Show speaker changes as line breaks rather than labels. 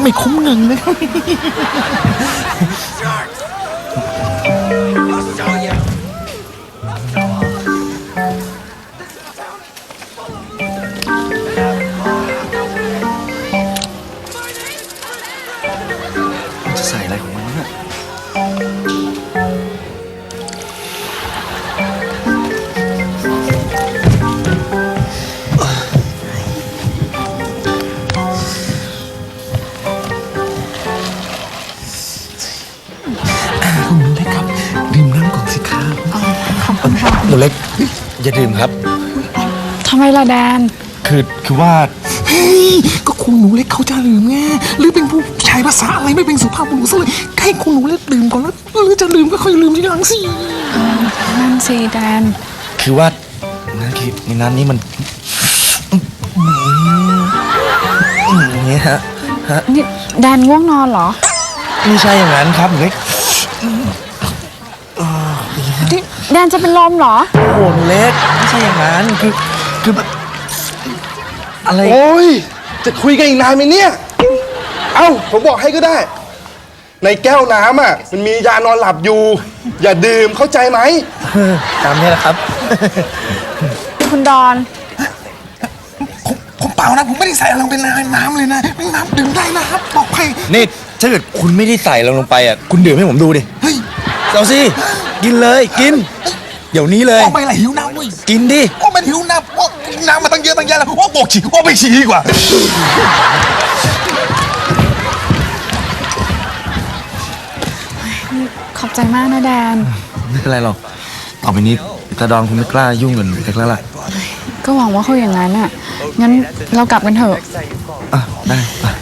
ไม่คุ้มเงินนะครับจะใส่อะไรของมันเนี่ยคุณหนูเล็กครับดื่มน้ำก่อนสิครับ
ขอบคุณค่ะ
หนูเล็กอย่าดื่มครับ
ทำไมล่ะแดน
คือว่าเฮ้ยก็คุณหนูเล็กเขาจะลืมไงหรือเป็นผู้ชายภาษาอะไรไม่เป็นสุภาพบุรุษซะเลยให้คุณหนูเล็กดื่มก่อนแล้วหรือจะลืมก็ค่อยลืมทีหลังสิ
นั่นสิแดน
คือว่าในน้ำนี้มันอย่างนี้ฮะ
นี่แดนง่วงนอนเหรอ
ไม่ใช่อย่างนั้นครับหนูเล็ก
แดนจะเป็นลมเหรอ
โอ้หนูเล็กไม่ใช่อย่างนั้นคืออะไร
โอ้ยจะคุยกันอีกนานไหมเนี่ยเอ้าผมบอกให้ก็ได้ในแก้วน้ำอ่ะมันมียานอนหลับอยู่อย่าดื่มเข้าใจไหม
ตามนี้แหละครับ
คุณดอน
ผมเปล่านะผมไม่ได้ใส่ลงเป็นน้ำเลยนะน้ำดื่มได้นะครับบอกใครนี่ถ้าเกิดคุณไม่ได้ใส่ลงไปอ่ะคุณดื่มให้ผมดูดิเฮ้ยเอาสิกินเลยกินเดี๋ยวนี้เลยไม่ไหลหิวน้ำเว้ยกินดิว่ามันหิวน้ำว่าน้ำมาตั้งเยอะตั้งแยะแล้วว่าบอกฉี่ว่าไปฉี่ดีกว่า
ขอบใจมากนะแดน
ไม่เป็นไรหรอกต่อไปนี้ตาดอนคุณไม่กล้ายุ่งกับหนูเล็กแล้วล่ะ
ก็หวังว่าเขาอย่างนั้นอ่ะงั้นเรากลับกันเถอะ
อ่ะได้